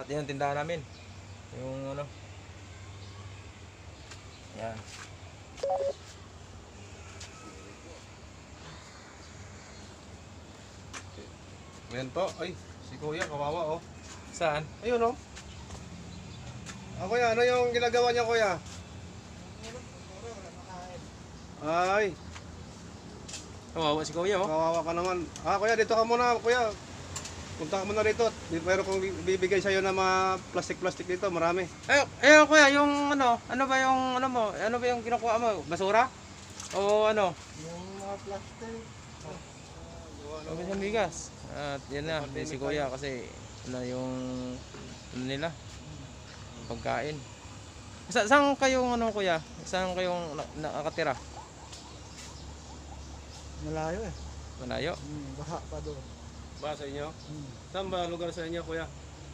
yan ang tindahan namin. Yung ano. Yan. Ayan po. Ay, si Kuya, kawawa oh. Saan? Ayun oh. Kuya, ano yung ginagawa niya, Kuya? Ay, Kawawa si Kuya, oh. kawawa ka naman. Kuya, dito ka muna, Kuya. Punta ka muna rito. Pero kung bibigay sa'yo ng mga plastic-plastic dito, marami. Kuya, yung ano ba yung ano mo? Ano ba yung kinukuha mo? Basura? O ano? Yung mga plastic. Ano yung bigas? At yan na, si Kuya kasi ano yung ano nila? Pagkain. Saan kayong ano, Kuya? Saan kayong nakatira? Malayo eh. Malayo? Baha pa doon. Ba sa inyo? Saan ba lugar sa inyo, Kuya?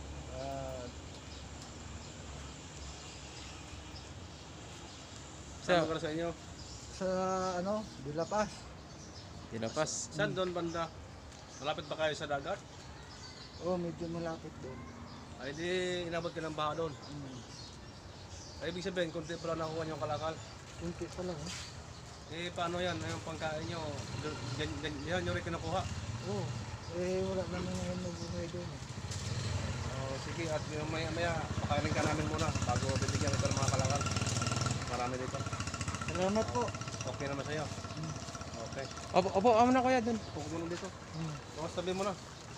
Saan lugar sa inyo? Sa ano, Dilapas. Dilapas. Saan doon banda? Malapit ba kayo sa dagat? Oh, medyo malapit doon. Ay di inabot ka ng baha doon. Ay ibig sabihin, kunti pala nakuha niyo ang kalakal. Kunti pa lang. Paano yan? Yung pangkain niyo, yan yung rin kinukuha. Oh, wala naman ngayon nag-umay doon. Sige, at maya pakainin ka namin muna bago bibigyan kita ng mga kalakal. Marami dito. Salamat po. Okay naman sa'yo? Okay. Opo, amo na Kuya dun. Puko mo dito. Tapos tabi mo na.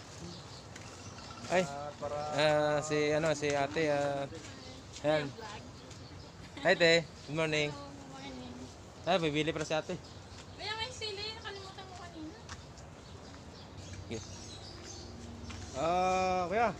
Ay, At para... si ate, ayan. Hi, te. Good morning. Ay, bibili para si ate. Kaya may sili, nakalimutan mo kanina. Kuya.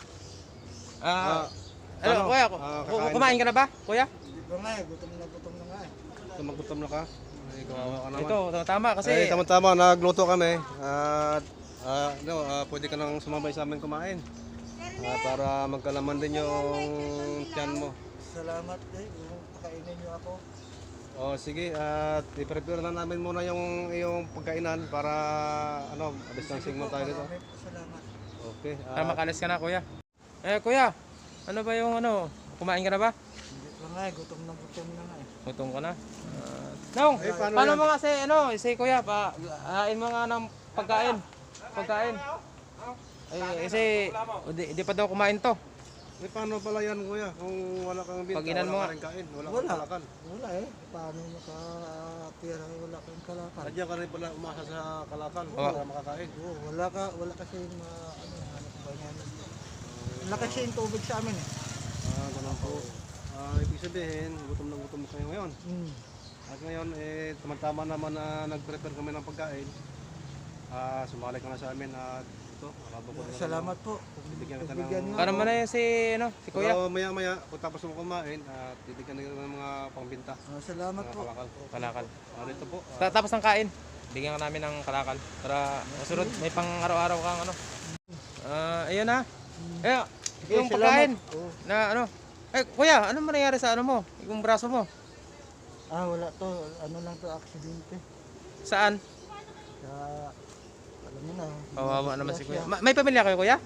Ano, Kuya, kakain kumain ka na ba, Kuya? Hindi pa nga eh, gutom na nga eh. Magutom na ka. Ay, kawawa ka naman. Ito, tama kasi. Ay, tama-tama, nagluto kami. At pwede ka nang sumabay sa amin kumain. Para magkalaman din yung tiyan mo. Salamat eh, pakainin niyo ako. Sige, at i-prepare na namin muna yung iyong pagkainan para distancing mo tayo dito. Maraming salamat. Okay. Para makalis ka na, Kuya. Kuya, ano ba yung kumain ka na ba? Hindi pa nga eh, gutom na nga eh. Gutom ka na. Nong, paano yan? mo kasi, si Kuya, hain mo nga ng pagkain. Pagkain. Kasi, di pa daw kumain to. Paano pala yan, Kuya? Kung wala kang binta, Pag-inan mo wala nga. kang kain, wala Wala. kang kalakal. Wala eh, paano makapira wala kang kalakal. Sadya ka rin pala umasa sa kalakal Oo. para makakain. Oo, wala kasi hanap ba yan. Wala kasi yung tubig sa amin eh. Ganun po. Ibig sabihin, gutom na gutom kayo ngayon. At ngayon, tama-tama naman na nag-prepare kami ng pagkain. Sumali ka na sa amin at ito, nakabukod na. Salamat po. Bibigyan kita Bibigyan ng... niyo Para ako. mo na si Kuya. Pero maya-maya, kung tapos mo kumain, at bibigyan na kita ng mga pangbinta. Salamat Mga po. kalakal. Kalakal. Dito po. Tapos ng kain, bigyan ka namin ng kalakal. Para masunod, may pang araw-araw kang ayun na. Yung Salamat. pagkain Oo. na Kuya, ano nangyari sa mo? Yung braso mo? Wala to. Ano lang to, aksidente. Saan? Sa, alam mo na. Kawawa naman si Kuya. disgrasya. May pamilya kayo, Kuya?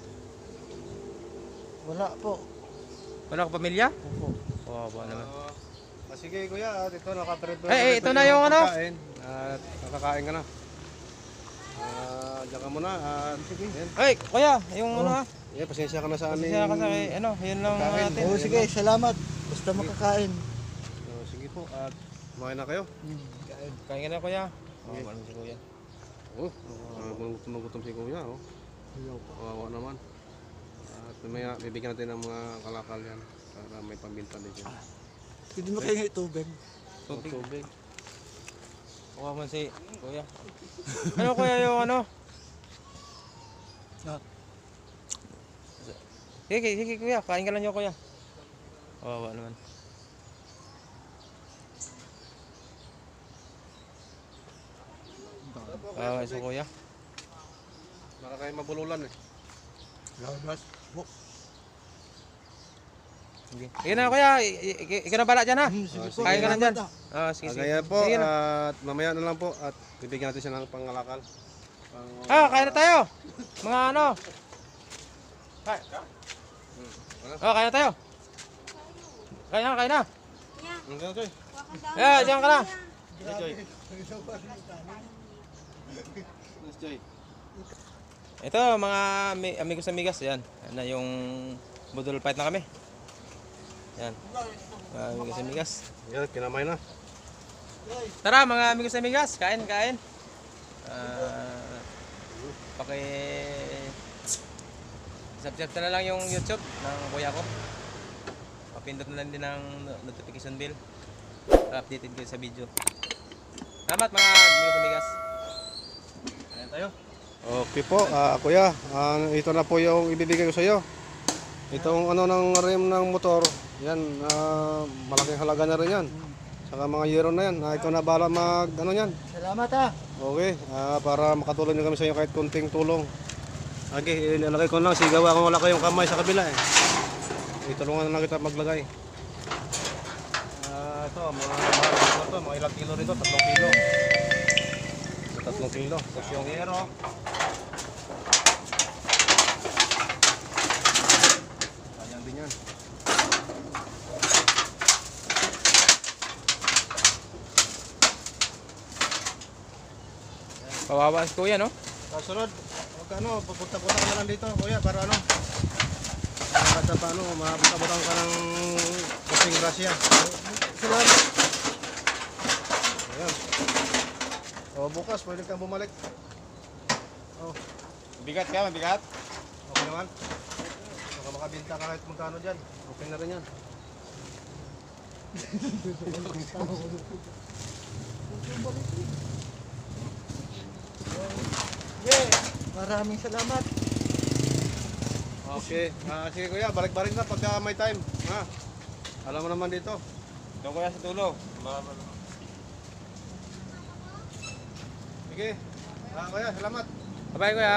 Wala po. Wala ka pamilya? Opo. Kawawa naman. Sige kuya, at ito nakaprepare. Ito na yung pagkain. At nakakain ka na. Diyan ka muna. Sige. Yan. Kuya, yung Pasensya ka na sa amin. Pasensya ka sa yun lang Pagkain. natin. Oo, sige, salamat. Basta makakain. Sige po, at kumain na kayo. Kain. Kain ka na, Kuya. Kawawa naman si Kuya. Gutom si kuya. Kawawa naman. At mamaya bibigyan natin ng mga kalakal yan. Para may pambinta din siya. Hindi mo kayo tubig. Tubig. Kawawa naman si Kuya. Ano Kuya yung Sige Kuya, kain ka lang niyo Kuya. Kawawa naman. Kawawa si Kuya. Baka kayo mabululan eh. Labas. Sige. Sige na Kuya, ikaw na bala dyan ha. Sige po. Kain ka lang dyan. Salamat, Sige. Kaya po, Sige na. at mamaya na lang po. At bibigyan natin siya ng pangalakal. Kain na tayo. Mga Kain. Oh, kain na tayo. Kain na, kain na. Ang gano'n, Choy. Yeah, diyan ka na. Hey, Choy. Yes, Choy. Ito, mga amigos amigas, yan. Yan na yung budol fight na kami. Yan. Mga amigos amigas. Yan, kinamay na. Tara mga amigos amigas, kain, kain. Subscribe na lang yung YouTube ng kuya ko. Papindot na lang din ng notification bell para updated kayo sa video. Salamat mga amigos amigas. Kain tayo. Okay po, kuya. Ito na po yung ibibigay ko sa iyo. Itong ano ng rim ng motor, yan, malaking halaga na rin yan. Saka mga yero na yan. Ikaw na bala mag ano yan. Salamat ha. Okay, para makatulong nyo kami sa inyo kahit kunting tulong. Okay, ilalagay ko lang. Sigaw ako, wala kayong kamay sa kabila eh. Itulungan na lang kita maglagay. Ito, mga ilang kilo rito, 3 kilo. 3 kilo. Tapos yung yero. Sayang din yan. Kawawa si kuya, no? Kasunod, pupunta-punta ka na lang dito, kuya, para ano? Para pa ano, mapunta-punta ka ng kasing grasya. Salamat. Ayan. O, bukas, pwede kang bumalik. Oh, Bigat ka, mabigat? okay naman. Baka makabinta ka kahit magkano dyan. Okay na rin yan. Yeah. Maraming salamat. Okay. Sige kuya, balik-balik na pagka may time. Ha? Alam mo naman dito. Doon kuya sa tulo. Sige. Kuya, salamat. Bye-bye kuya.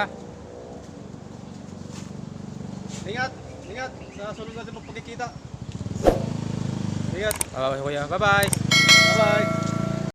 Ingat. Ingat. Sa sunod natin magpagkikita. Ingat. Bye-bye kuya. Bye-bye. Bye-bye.